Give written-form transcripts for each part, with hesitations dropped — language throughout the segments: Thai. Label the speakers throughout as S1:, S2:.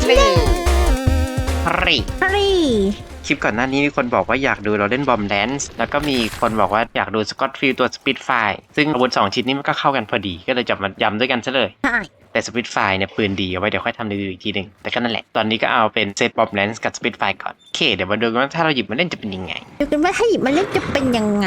S1: รีคลิปก่อนหน้านี้มีคนบอกว่าอยากดูเราเล่นบอมแดนซ์แล้วก็มีคนบอกว่าอยากดูสกอตฟิลตัวสปิดไฟซึ่งอาวุธ2ชิ้นนี้มันก็เข้ากันพอดีก็เลยจับมายำด้วยกันซะเลย
S2: ใช่
S1: แต่สปิดไฟเนี่ยปืนดีเอาไว้เดี๋ยวค่อยทำรีวิวอีกทีหนึ่งแต่ก็นั่นแหละตอนนี้ก็เอาเป็นเซตบอมแดนซ์กับสปิดไฟก่อนโอเคเดี๋ยวมาดูกันว่าถ้าเราหยิบมาเล่นจะเป็นยังไง
S2: ดูกันว่าถ้าหยิบมาเล่นจะเป็นยังไง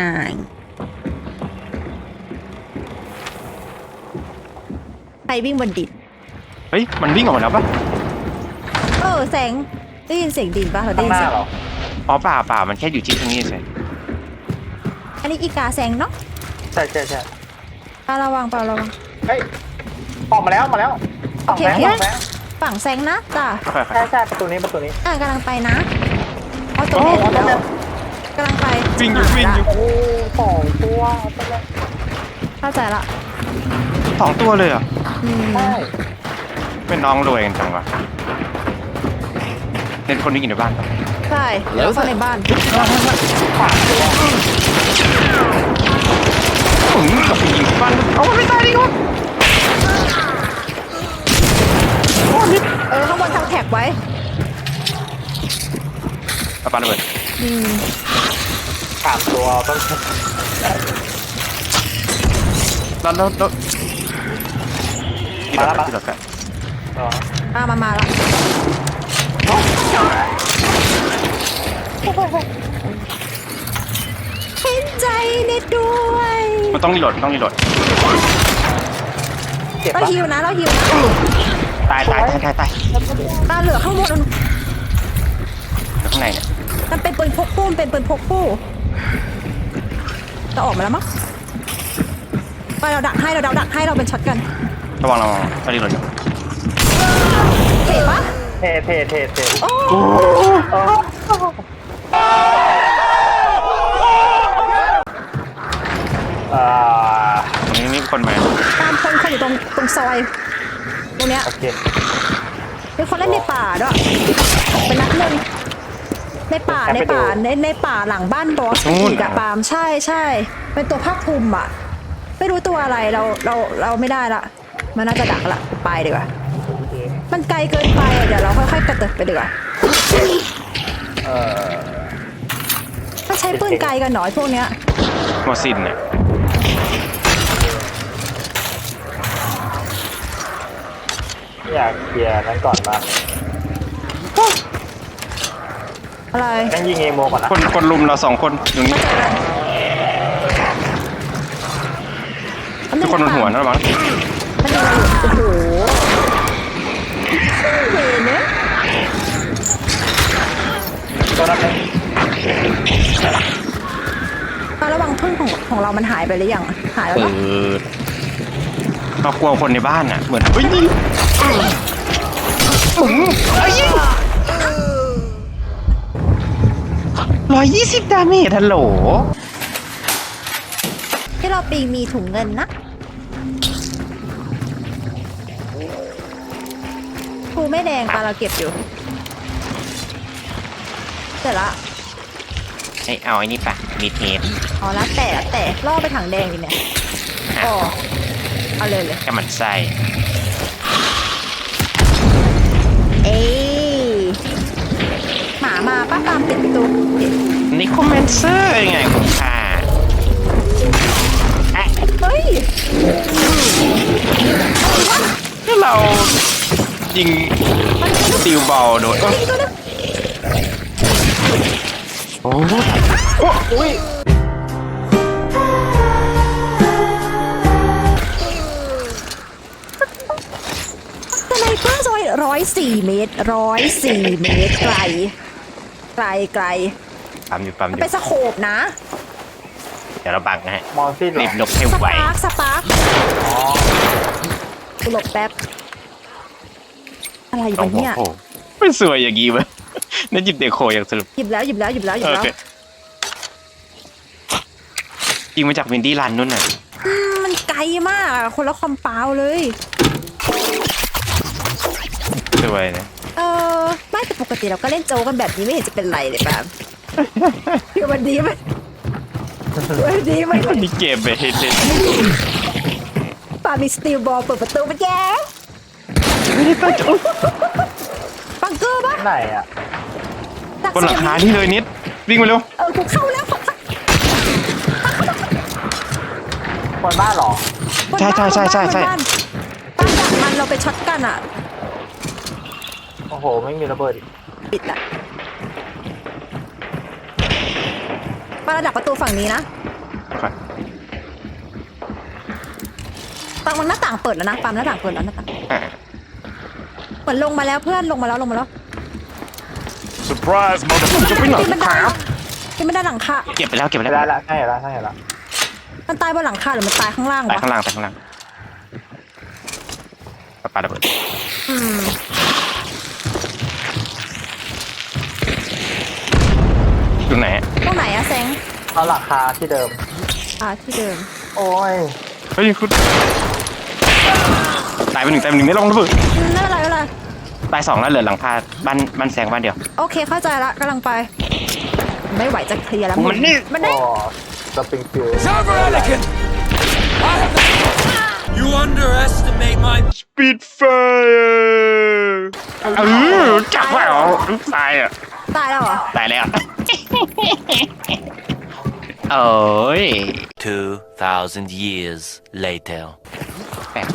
S2: ใครวิ่งบนดิน
S1: เฮ้ยมันวิ่งออกมาแล้วปะ
S2: แสงได้ยินเสียงดินปะเราได้
S3: ข้าง
S2: ยิ
S3: ห
S2: น
S3: น้า
S2: เสียง
S3: เหรอ
S1: อ๋อเปล่ามันแค่อยู่ที่ตรงนี้เฉย
S2: อันนี้อีกาแสงเนาะ
S3: ใช่
S2: ปลาระวัง
S3: เฮ้ยออกมาแล้วออกแล้ว
S2: ฝั่งแสงนะจ้ะ
S3: ใช่ประตูนี้
S2: กำลังไปนะเอาตัวแม่แล้วกำลังไป
S1: วิ่งอยู่
S3: โอ้สองตัวไปเลย
S2: เข้าใจละ
S1: 2 ตัวเลยเหรอ
S3: ใช่
S1: เป็นน้องรวยกันจังวะเล่นคนนี้กินในบ้านปะ
S2: ใช่แล้วเข้าในบ้าน
S3: สามตัว
S1: กับผู้หญิงที่บ้านเอามันไม่ตายดิครับ
S2: ข้างบนทางแท็กไว้
S1: เอาปาระเบิด
S3: สามตัวต้อง
S1: แล้วที่เรากัน
S2: มาละเห็นใจเน็ตด้วย
S1: มันต้องรีโหลด
S3: เก็บ
S2: เรา
S3: ปะ
S2: ฮิวนะเราฮิวนะ
S1: ตาย
S2: ตาเหลือข้างบน
S1: ข้างในเนี่ย
S2: มันเป็นปืนพกคู่เป็นปืนพกคู่จะออกมาแล้วมั้งไปเราดักให้เราเป็นช็อตกัน
S1: ระวังต้องรีโหลดอยู่
S2: เห็นปะ
S3: เท
S2: โอ้
S1: ตรงนี้มีคนมา
S2: ตามคนอยู่ตรงซอยตรงเนี้ย
S3: โอเค
S2: เป็นคนเล่นในป่าด้วยเป็นนัดหนึ่งในป่าหลังบ้านบอสอีกอะปาล์มใช่เป็นตัวภาคภูมิอะไม่รู้ตัวอะไรเราไม่ได้ละมันน่าจะดักละไปดีกว่ามันไกลเกินไปเดี๋ยวเราค่อยๆกระเติบไปดีกว่าถ้าใช้ปืนไกลกันหน่อยพวกเนี้ย
S1: มอสินเนี่ย
S3: อยากเคลียร์นั้นก่อนมา
S2: อะไร
S3: งั้นยิงเอโมก่อนนะ
S1: คนลุมเรา2 คนอยู่นี่ทุกคนบนหัวนะมั้ง
S2: มันยังไงโอ้โหเห็นเนี่ย
S3: ตัวนั้นเป็น
S2: ระวังพึ่งของเรามันหายไปหรือยังหายแล้ว
S1: เรากลัวคนในบ้านอ่ะเหมือนเฮ้ยนี่120 ดาเมจฮัลโหล
S2: ที่เราปีมีถุงเงินนะภูไม่แดงปลาเราเก็บอยู่เสร็จละ
S1: เอาไอ้นี่ปะมีเทป
S2: อ๋อแล้วแต่ล่อไปถังแดงดิเนี่ยอ๋อเอาเลย
S1: ก็มันไส้
S2: เอ้ยหมามาป้าตามปิดประตู
S1: นี่คอมเมนเซอร์ยังไงคุณค่า
S2: เฮ้ย
S1: ถ้าเรายิงติวบอลโดนโอ้
S3: อุ้ย
S2: สไนเปอร์ซอย104 เมตรไกล
S1: ปั๊มอยู่
S2: มันเป็นสโคปนะ
S1: เดี๋ยวเราบังนะฮะ
S3: มอนซี่เหร
S1: รี
S3: อบ
S1: หลบให้
S2: ส
S1: ไว
S2: ปาร์คกูหลบแป๊บอะไรอยู่
S1: โอ้
S2: วะ
S1: โห
S2: เนี่ย
S1: ไม่สวยอย่างงี้วะนั่นหยิบเดโคอย่างสรุป
S2: หยิบแล้ว
S1: โอเคยิงมาจากวินดี้รันนู่นน่ะ
S2: มันไกลมากอะคนละคอมเปาเลย
S1: สวยนะ
S2: ไม่แต่ปกติเราก็เล่นโจกันแบบนี้ไม่เห็นจะเป็นไรเลยป่ะ คือวันนี้มัน
S1: มีเกมไปเห็นเลย
S2: ป่ามีสตีลบอลเปิดประตูมาแย่
S1: ไม่ได้ตั้งใจ
S3: ไหนอ่ะ
S2: ดัก
S1: บนหลังคาที่เลยนิดวิ่งมาเร็ว
S2: กูเข้าแล้ว
S3: คนบ้านเหรอ
S1: ใช่ใช่ใช่ใช่
S2: บ้านดักมันเราไปช็อตกันอ่ะ
S3: โอ้โหไม่มีระเบิดอีก
S2: ปิดอ่ะป้าดักประตูฝั่งนี้นะปังมันหน้าต่างเปิดแล้วนะปั๊มหน้าต่างเปิดแล้วหน้าต่าง
S1: อ่า
S2: เหมือนลงมาแล้วเพื่อนลงมาแล้ว
S1: surprise จะไปไหน
S2: ปีนบันได
S1: ครับ
S2: ปีนบันไดหลังคา
S1: เก็บไปแล้วเก็บไป
S3: ไม่
S1: แล้ว
S3: ได้ละใช่ละใช่ละ
S2: มันตายบนหลังคาหรือมันตายข้างล่าง
S1: ไป
S2: วะ
S1: ข้างล่างไปข้างล่างปาระเบิด
S2: อืม
S1: อยู่ไหนอะ
S2: ตรงไหนอะแซง
S3: เอาหลังคาที่เดิม
S2: ที่เดิม
S3: โอ้ย
S1: เฮ้ยคุณตายไปหนึ่งตายไปหนึ่งไม่ลงระเบิด
S2: ไม่เป็นไรไม่เป็นไร
S1: ตายสองแล้วเหลือหลังคาบ้านแซงบ้านเดียว
S2: โอเคเข้าใจละกำลังไป ไม่ไหวจะเคลียร์แล้ว
S1: มันนี่
S2: มัน
S3: โอ้
S2: นี่
S3: สปริงฟิล
S4: Server Anakin! I have the... You underestimate my...
S1: Spitfire จับไว้เหรอตายอ่ะ
S2: ตายแล้วเหรอ
S1: ตายแล้วโอ้ย
S5: 2,000 years later.
S1: แปลก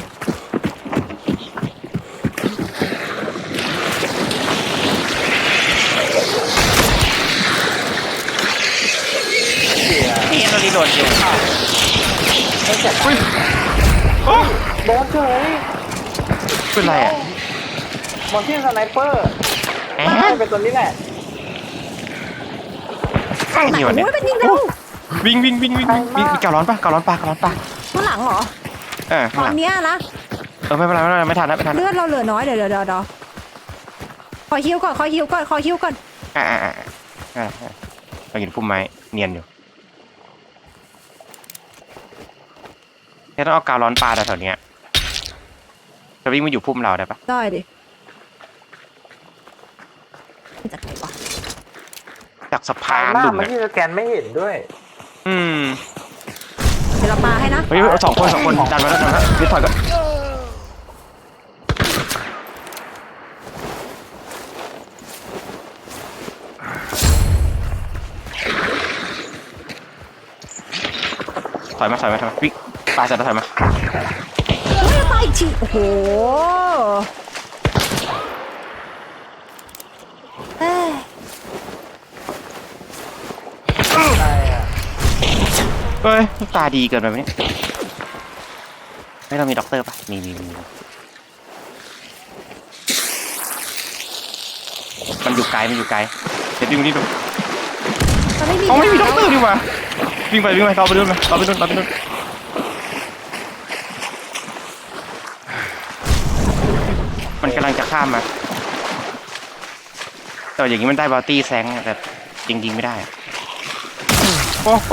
S1: นี่เราดีโดดอยู่
S3: ไม่เจ็บ
S1: โอ้
S3: โดนเฉย
S1: เป็นไรอ่ะ
S3: มอนที่สไนเปอร์
S1: แอ
S3: ไม่
S1: บ
S3: เป็นตัวนี้แหละ
S1: นี่วันเนี้ย
S2: โอ้ยเป็นยิงเร็ว
S1: วิ่งการ้อนปะ
S2: ข้างหลังเหรอ
S1: ข้าง
S2: ต
S1: ห
S2: อ
S1: ลั
S2: น
S1: ง
S2: เนี้ยนะ
S1: ไม่เป็นไรไม่ทันแล้ว
S2: เลือดเราเหลือน้อยเดี๋ยวขอฮิวก่อน
S1: เราเห็นพุ่มไม้เนียนอยู่ต้องเอากาวร้อนปลาแถวๆเนี้ยจะวิ่งมาอยู่พุ่มเราได้ปะ
S2: ได้ดิมาจากไหนวะ
S1: จากสะพาน
S3: หน้า
S1: หลุม
S3: ไม่
S1: เนี่ย
S3: ที่สแกนไม่เห็นด้วย
S2: เดี๋ยวเราปาให้นะ
S1: เฮ้ยสองคนดันมาแล้วนิดถอยก่อนถอยมาวิ่งปลาเสร็จแล้วถอยมา
S2: เฮ้ยตายอีกทีโอ้โหเอ้ย
S3: ใช่อะ
S1: เฮ้ยตาดีเกินไปไหมเนี่ยไม่เรามีด็อกเตอร์ปะมีมันอยู่ไกลเดี๋ยววิ่งนี่ดู
S2: มันไม่มี
S1: เขาไม่มีด็
S2: ยา
S1: อกเตอร์ดีกว่าวิ่งไปเราไปนู่นมันกำลังจะข้ามมาแต่อย่างนี้มันได้บอลตี้แซงแต่จริงไม่ได้โอ้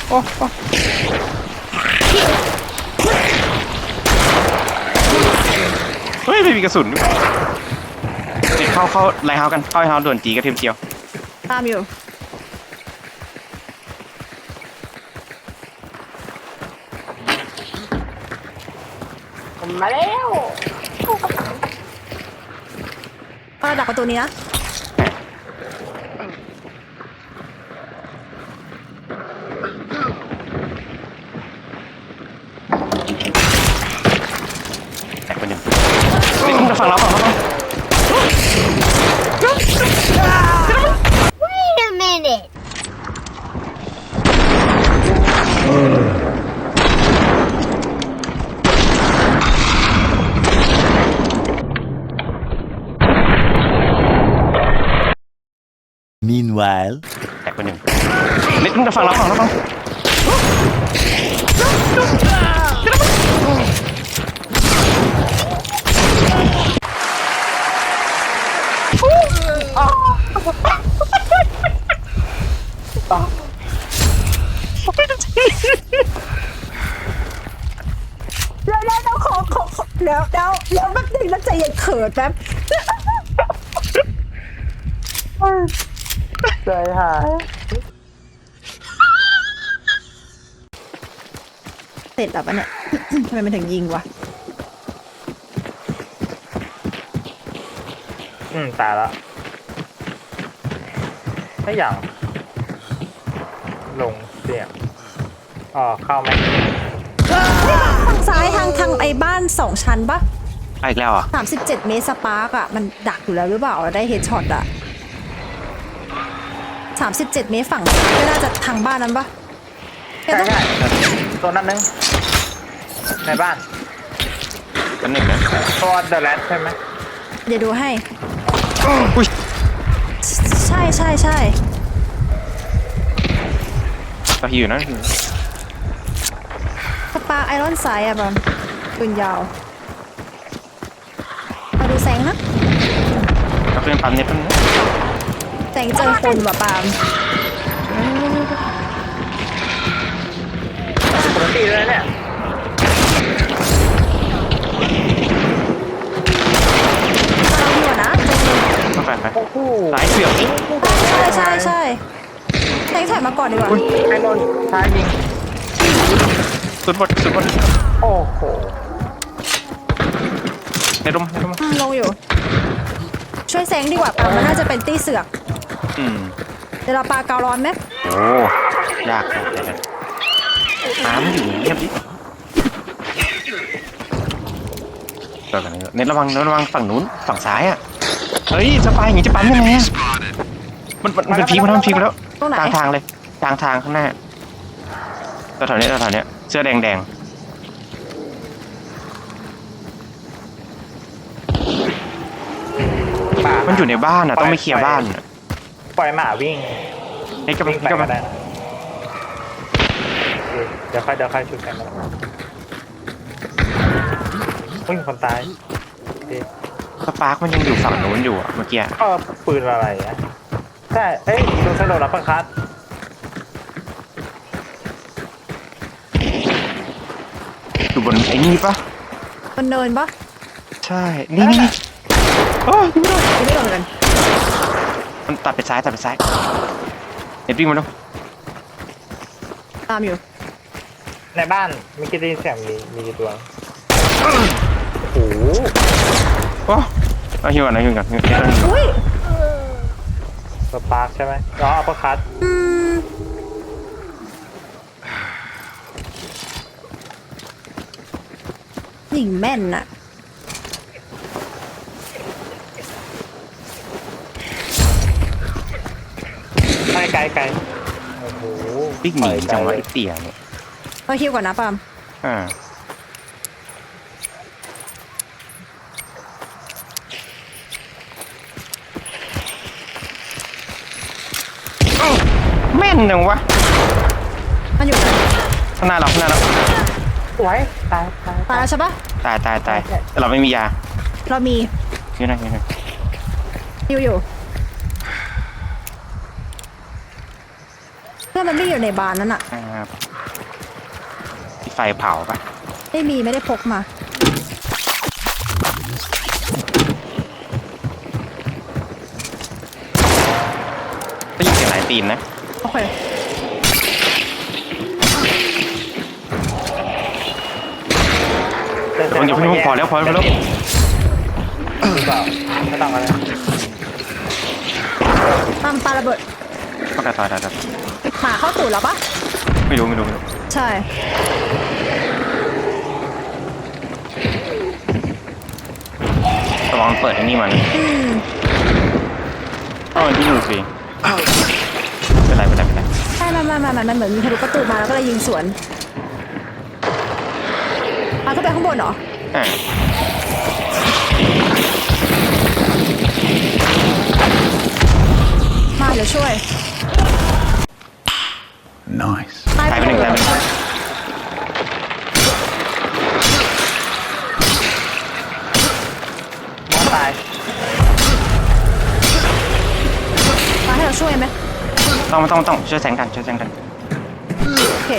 S1: เฮ้ยไม่มีกระสุนเข้าไลท์เฮาส์กันเข้าไลท์เฮาส์ด่วนจีกระเทียมเจียว
S2: ตามอยู่
S3: ผมมาแล้ว
S2: ดักประตูนี้นะ
S1: แตกไปหนึ่งนี่จะฝั่งเรา
S6: Wait a minute.
S5: Meanwhile.
S1: แตกไปหนึ่งนี่จะฝั่งเรา
S2: แล้วขอแล้วแป๊บนึงแล้วใจเย็นเขินแป๊บ
S3: ใจหาย
S2: เสร็จแล้วปะเนี่ย ทำไมมันถึงยิงวะ
S3: ตายแล้วไม่อย่างลงเสียงอ๋อเข้าไหม
S2: ทางซ้ายทางไอ้บ้าน2 ชั้นปะ
S1: ไปอีกแล้วเหรอ่ะ
S2: 37 เมตรสปาร์กอะมันดักอยู่แล้วหรือเปล่าได้เฮดช็อตอะ37 เมตรฝั่งซ้ายไม่น่าจะทางบ้านนั้นปะ
S3: ใช่ใช่ตัวนั้นนึงในบ้าน
S1: กันหนึ่งนะ
S3: ตัวเดอะแรดใช่ไหม
S2: เดี๋ยวดูให้
S1: อุ้ย
S2: ใช่
S1: เราหิวนะ
S2: สปาร์กไอรอนไซด์อะบอลปืนยาวมาดูแสงนะ
S1: เราเป็นปั๊มเน็ตปั๊มนะ
S2: แสงเจอคนว่ะปาล์ม
S3: ปกติเลยเนี่ย
S2: เราดีกว่านะ
S1: ต้องไป
S3: โอ้โห
S1: สายเสือกนี่
S2: ใช่แสงถอยมาก่อนดีกว่า
S3: ไอ้นนท์ท้ายยิง
S1: สุดบด
S3: โอ้โห
S1: ในร่ม
S2: ลงอยู่ ช่วยแสงดีกว่าปาล์มมันน่าจะเป็นตี้เสือก
S1: อืม
S2: เดี๋ยวเราปาเการ้อนไหม
S1: โอ้ยากน้ำอยู่เงียบดิต่อกันเน็ตระวังฝั่งนู้นฝั่งซ้ายอ่ะเฮ้ยสปายอย่างงี้จะปั๊มยังไงอะมันเป็นพีกมันพีกแล้ว
S2: ตรงไหน
S1: ทางเลยทางข้างหน้าแถวๆเนี้ยเสื้อแดงมันอยู่ในบ้านอ่ะต้องไม่เคลียร์บ้านอะ
S3: ปล่อยหมาวิ่ง
S1: ให้กำลั
S3: วิ่
S1: ง
S3: งไปก็ได้นะเดี๋ยวค่อยชุดกันนะอุ้ยคนตายโอเค
S1: สปาร์กมันยังอยู่ฝั่งนู้นอยู่อ่ะเมื่อกี้
S3: ก็ปืนอะไรอ่ะใช่เอ้ยโดนสะโดดรับประคัด
S1: อยู่บนไอ้นี่ปะ
S2: บนเนินปะ
S1: ใช่นี่โอ้ย
S2: ไม่โดนกัน
S1: มันตัดไปซ้ายเน็ตวิ่งมาดู
S2: ตามอยู่
S3: ในบ้านมีกี่ได้ยินเสียงมีกี่ตัวโอ้โห
S1: โอ้เอาหิวก่อน
S2: อุ้ย
S3: สปาร์คใช่ไหมอ๋ออัปเปอร์คัท
S2: หญิงแม่นอะ
S3: ไกลโอ้โห
S1: วิ่งหนีจังวะไอ้เตี่ยเนี่ย
S2: เราฮิวก่อนนะปาล์ม
S1: อ่าแม่นจังวะ
S2: มันอยู่ไหน
S1: ข้างหน้าเรา
S3: สวยตาย
S2: ตายแล้วใช่ปะ
S1: ตายแต่เราไม่มียา
S2: เรามี
S1: นี่นะ
S2: ฮิวอยู่เพื่อนมันไม่อยู่ในบานนั้นอะ
S1: ที่ไฟเผาปะ
S2: ไม่ได้พกมา
S1: ได้ยินเสียงหลายตีนนะ
S2: โอเค
S1: มันอยู่พอแล้ว
S3: หรือเปล่าไม่ต้องอะไร
S2: ปาล์มปาระเบิด
S1: ก็ตาย
S2: หมาเข้าตูดแล้วปะ
S1: ไม่รู้
S2: ใช่
S1: ระวังเปิดไอ้นี่มันมันที่ดูสิเป็นไร
S2: ใช่มันเหมือนมีทะลุประตูมาแล้วก็เลยยิงสวนมาก็ไปข้างบนเหรอ
S1: อ่า
S2: มาเดี๋ยวช่วย
S4: Nice.
S2: ตาย
S1: ตาย
S2: ไป
S1: ไปหนึ่ง
S2: เลย
S3: น้องตาย
S2: มาให้เราช่วยไหม
S1: ต้องช่วยแสงกัน
S2: โอเค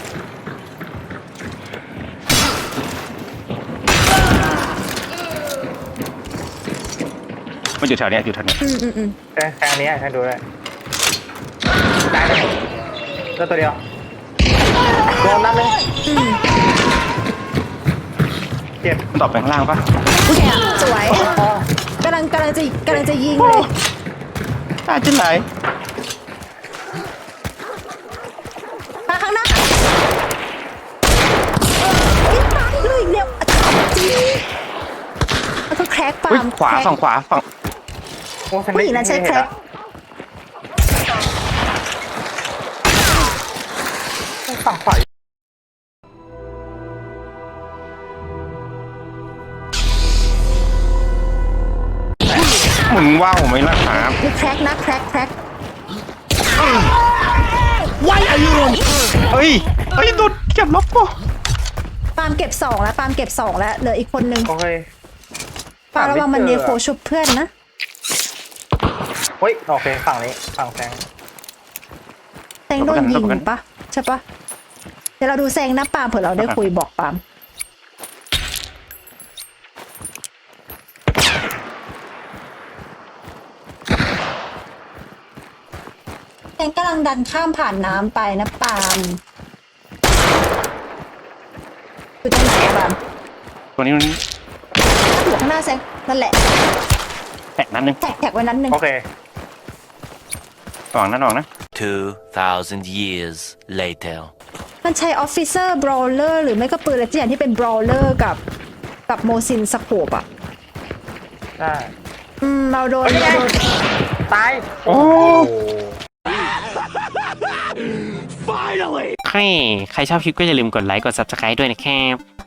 S1: มันอยู่แถวเนี้ย
S3: แค่นี้ให้ดูเลยตายเลยแล้วตัวเดียวโดนนัดเลยเจ็บ
S1: มันตอบไปข้างล่างปะ
S2: เนี่ยสวย
S3: อ๋อก
S2: ำลังจะยิงเลย
S1: ตายจนไหน
S2: ร็กปา
S1: อุ้ย
S2: ล์ม
S1: ขวา
S2: แคร็ก
S1: ฝั่งขวาฝั่ง
S3: โอ้ฉัน
S2: ผู้หญิงนั้นใช้แคร็ก
S3: ฝั่งขวา
S1: หมุนว่าวไหมล่ะครับ
S2: มีแคร็กนะแคร็ก
S1: เฮ้ยดุดเก็บล็อกกู
S2: ปาล์มเก็บ2แล้วปาล์มเก็บ2แล้วเหลืออีกคนนึง
S3: โอเค
S2: ปาล์มระวังมันเนโฟชุบเพื่อนนะ
S3: เฮ้ยโอเคฝั่งนี้ฝั่งแซง
S2: แซงโดนยิงปะใช่ปะเดี๋ยวเราดูแซงนะปาล์มเผื่อเราได้คุยบอกปาล์มแซงกำลังดันข้ามผ่านน้ำไปนะปาล์มอยู่ตรงไหนอะปาล์ม
S1: ตัวนี้มัน
S2: อยู่ข้างหน้าแซงนั่นแหละ
S1: แตกนัดนึง
S2: แท็กไว้นั้นหนึ่ง
S3: โอเค
S1: ออกนะ
S5: 2,000 years later.
S2: มันใช้ออฟฟิเซอร์บรอเลอร์หรือไม่ก็ปืนอะไรสักอย่างที่เป็นบรอเลอร์กับโมซินสโคปอะ
S3: ได้
S2: เราโดน
S3: ตาย
S1: โอ้
S3: โห
S1: ใครชอบคลิปก็อย่าลืมกดไลค์กด subscribe ด้วยนะครับ